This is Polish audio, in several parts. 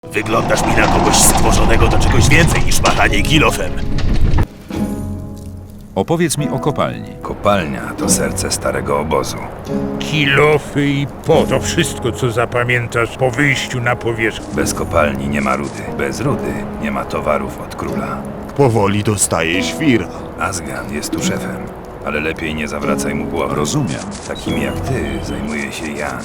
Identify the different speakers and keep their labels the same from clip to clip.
Speaker 1: Wyglądasz mi na kogoś stworzonego do czegoś więcej niż machanie kilofem.
Speaker 2: Opowiedz mi o kopalni.
Speaker 3: Kopalnia to serce starego obozu.
Speaker 4: Kilofy i to wszystko, co zapamiętasz po wyjściu na powierzchnię.
Speaker 3: Bez kopalni nie ma rudy. Bez rudy nie ma towarów od króla.
Speaker 5: Powoli dostaje świra.
Speaker 3: Azgan jest tu szefem, ale lepiej nie zawracaj mu głowy.
Speaker 2: Rozumiem.
Speaker 3: Takimi jak ty zajmuje się Jan.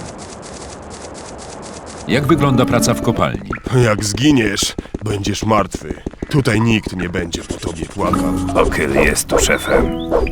Speaker 2: Jak wygląda praca w kopalni?
Speaker 5: Jak zginiesz, będziesz martwy. Tutaj nikt nie będzie po tobie płakał.
Speaker 3: Okyl jest tu szefem.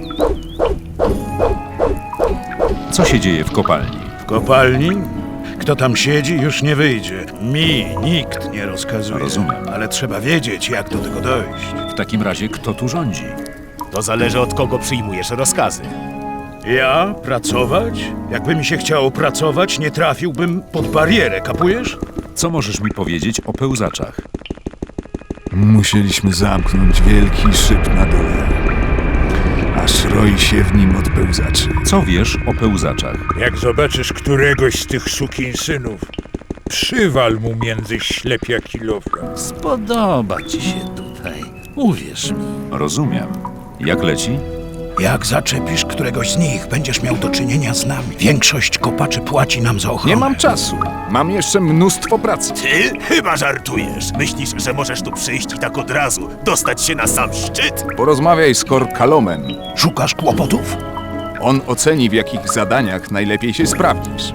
Speaker 2: Co się dzieje w kopalni?
Speaker 6: W kopalni? Kto tam siedzi, już nie wyjdzie. Mi nikt nie rozkazuje.
Speaker 2: Rozumiem.
Speaker 6: Ale trzeba wiedzieć, jak do tego dojść.
Speaker 2: W takim razie kto tu rządzi?
Speaker 1: To zależy od kogo przyjmujesz rozkazy.
Speaker 6: Ja? Pracować? Jakby mi się chciało pracować, nie trafiłbym pod barierę, kapujesz?
Speaker 2: Co możesz mi powiedzieć o pełzaczach?
Speaker 7: Musieliśmy zamknąć wielki szyb na dole, aż roi się w nim od pełzaczy.
Speaker 2: Co wiesz o pełzaczach?
Speaker 4: Jak zobaczysz któregoś z tych sukinsynów, przywal mu między ślepia kilofa.
Speaker 8: Spodoba ci się tutaj. Uwierz mi.
Speaker 2: Rozumiem. Jak leci?
Speaker 6: Jak zaczepisz któregoś z nich, będziesz miał do czynienia z nami. Większość kopaczy płaci nam za ochronę.
Speaker 7: Nie mam czasu. Mam jeszcze mnóstwo pracy.
Speaker 1: Ty? Chyba żartujesz. Myślisz, że możesz tu przyjść i tak od razu dostać się na sam szczyt?
Speaker 7: Porozmawiaj z Korkalomem.
Speaker 6: Szukasz kłopotów?
Speaker 7: On oceni, w jakich zadaniach najlepiej się sprawdzisz.